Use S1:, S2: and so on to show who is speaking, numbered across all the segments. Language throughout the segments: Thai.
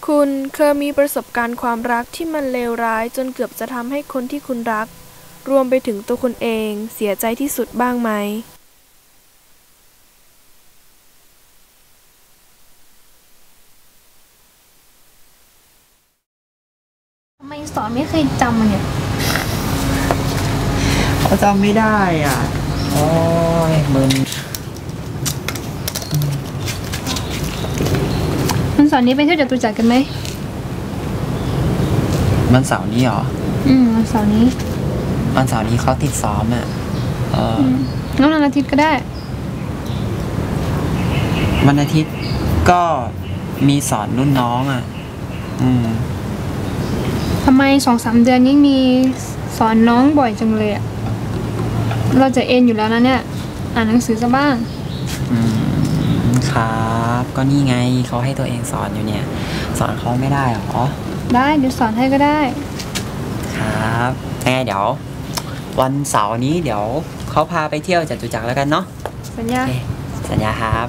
S1: คุณเคยมีประสบการณ์ความรักที่มันเลวร้ายจนเกือบจะทำให้คนที่คุณรักรวมไปถึงตัวคุณเองเสียใจที่สุดบ้างไหม
S2: ทำไมสอนไม่เคยจำมันเนี่ย
S3: เขาจำไม่ได้อ่ะโอ้ยมึน
S2: วันเสาร์นี้ไปเที่ยวจตุจักรกันไหม
S3: วันเสาร์นี้เหรอ
S2: วันเสาร์นี้
S3: เขาติดซ้อมอ่ะ
S2: งั้นวันอาทิตย์ก็ได้
S3: วันอาทิตย์ก็มีสอนรุ่นน้องอ่ะ
S2: ทำไม2-3 เดือนนี้มีสอนน้องบ่อยจังเลยอ่ะเราจะเอ็นอยู่แล้วนะเนี่ยอ่านหนังสือซะบ้าง
S3: ครับก็นี่ไงเขาให้ตัวเองสอนอยู่เนี่ยสอนเขาไม่ได้หรอ
S2: ได้เดี๋ยวสอนให้ก็ได้
S3: ครับงั้นเดี๋ยววันเสาร์นี้เดี๋ยวเขาพาไปเที่ยวจตุจักรแล้วกันเนาะ
S2: สัญญา
S3: สัญญาครับ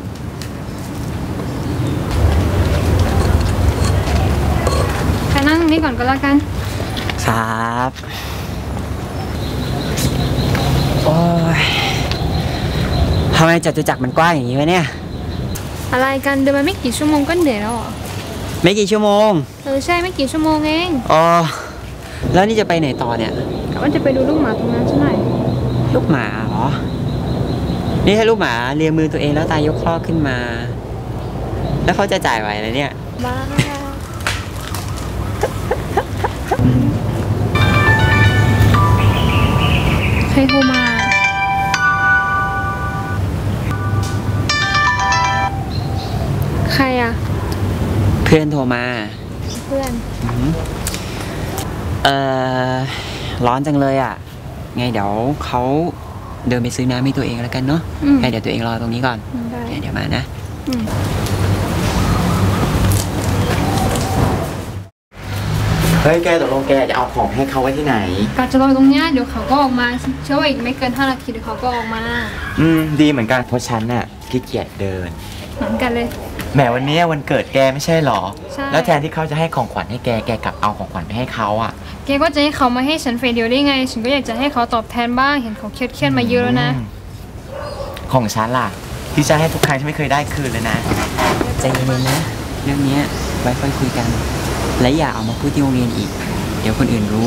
S2: ไปนั่งตรงนี้ก่อนก็แล้วกัน
S3: ครับโอ้ยทำไมจตุจักรมันกว้างอย่างนี้วะเนี่ย
S2: อะไรกันเดินมาไม่กี่ชั่วโมงก็เหนื่อยแล้วเหรอ
S3: ไม่กี่ชั่วโมง
S2: ใช่ไม่กี่ชั่วโมงเอง
S3: อ๋อแล้วนี่จะไปไหนต่อเนี่ย
S2: กะว่าจะไปดูลูกหมาตรงนั้นใช่ไหม
S3: ลูกหมาเหรอนี่ถ้าลูกหมาเลียมือตัวเองแล้วตายยกคลอกขึ้นมาแล้วเขาจะจ่ายไหวอะไรเนี่ย
S2: บ้าใครโทรมาใครอะ
S3: เพื่อนโทรมา
S2: เพื่อน
S3: ร้อนจังเลยอ่ะไงเดี๋ยวเขาเดินไปซื้อน้ำให้ตัวเองแล้วกันเนาะให้เดี๋ยวตัวเองรอตรงนี้ก่อนเดี๋ยวมานะเฮ้ยแกตกลงแกจะเอาของให้เขาไว้ที่ไหน
S2: ก็จะรอตรงนี้เดี๋ยวเขาก็ออกมาเชื่อว่าอีกไม่เกิน5 นาทีเดี๋ยวเขาก็ออกมา
S3: ดีเหมือนกันเพราะฉันน่ะขี้เกียจเดิน
S2: เหมือนกันเลย
S3: แหมวันนี้วันเกิดแกไม่ใช่หรอใช่แล้วแทนที่เขาจะให้ของขวัญให้แกกลับเอาของขวัญไปให้เขาอ่ะ
S2: แกก็จะให้เขามาให้ฉันเฟรเดียวได้ไงฉันก็อยากจะให้เขาตอบแทนบ้างเห็นเขาเครียดมาเยอะแล้วนะ
S3: ของฉันล่ะที่ฉันให้ทุกครั้งฉันไม่เคยได้คืนเลยนะใจเย็นๆนะเรื่องนี้ไว้ค่อยคุยกันและอย่าเอามาพูดที่โรงเรียนอีกเดี๋ยวคนอื่นรู้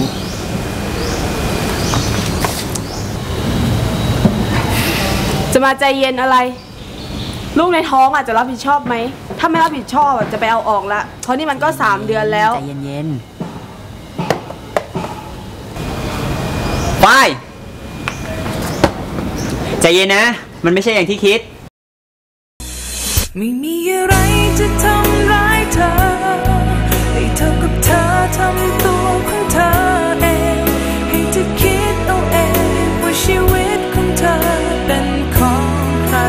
S1: จะมาใจเย็นอะไรลูกในท้องอาจจะรับผิดชอบไหมถ้าไม่รับผิดชอบจะไปเอาออกละเพราะนี่มันก็3 เดือนแล้ว
S3: ใจเย็นๆไปใจเย็นนะมันไม่ใช่อย่างที่คิด
S4: ไม่มีอะไรจะทำร้ายเธอให้เธอกับเธอทำตัวของเธอเองให้เธอคิดเอาเองว่าชีวิตของเธอเป็นของใคร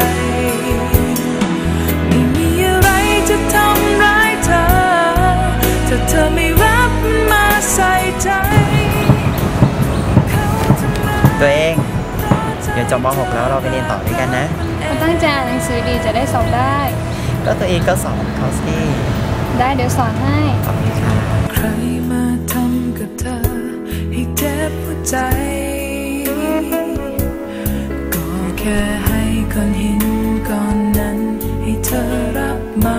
S4: ไม่มีอะไรจะทำร้ายเธอถ้าเธอไม่รับมาใส่ใจ
S3: ตัวเองเดี๋ยวจบม.6แล้วเราไปเรียนต่อด้วยกันนะ
S2: มันตั้งใจอ่านหนังสือดีจะได้สอบได้
S3: ก็ตัวเองก็สอนเขาสิ
S2: ได้เดี๋ยวสอนให้
S3: ขอบคุณค่ะ
S4: ใครมาทำกับเธอให้เจ็บหัวใจก็แค่ให้ก้อนหินก้อนนั้นให้เธอรับมา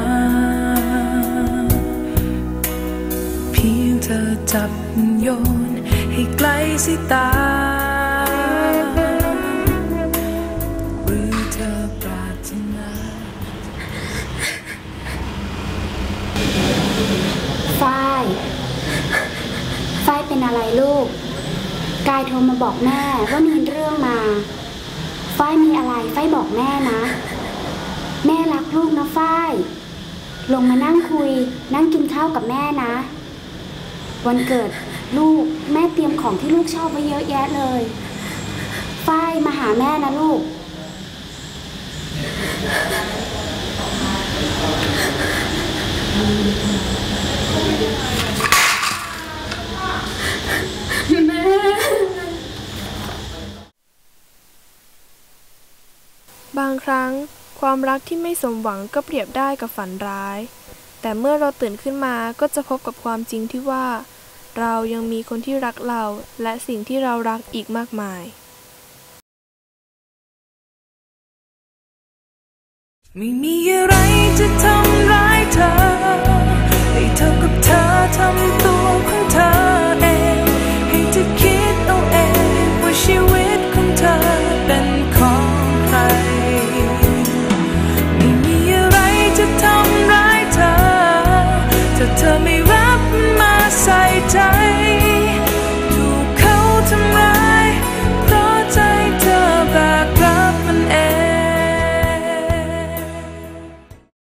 S4: เพียงเธอจับโยนให้ไกลสายตา
S5: ฝ้ายเป็นอะไรลูกกายโทรมาบอกแม่ว่ามีเรื่องมาฝ้ายมีอะไรฝ้ายบอกแม่นะแม่รักลูกนะฝ้ายลงมานั่งคุยนั่งกินข้าวกับแม่นะวันเกิดลูกแม่เตรียมของที่ลูกชอบไว้เยอะแยะเลยฝ้ายมาหาแม่นะลูก
S1: บางครั้งความรักที่ไม่สมหวังก็เปรียบได้กับฝันร้ายแ
S6: แต่เมื่อเราตื่นขึ้นมาก็จะพบกับความจริงที่ว่าเรายังมีคนที่รักเราและสิ่งที่เรารักอีกมากมาย
S4: ไม่มีอะไรจะทำร้ายเธอให้เท่ากับเธอทำ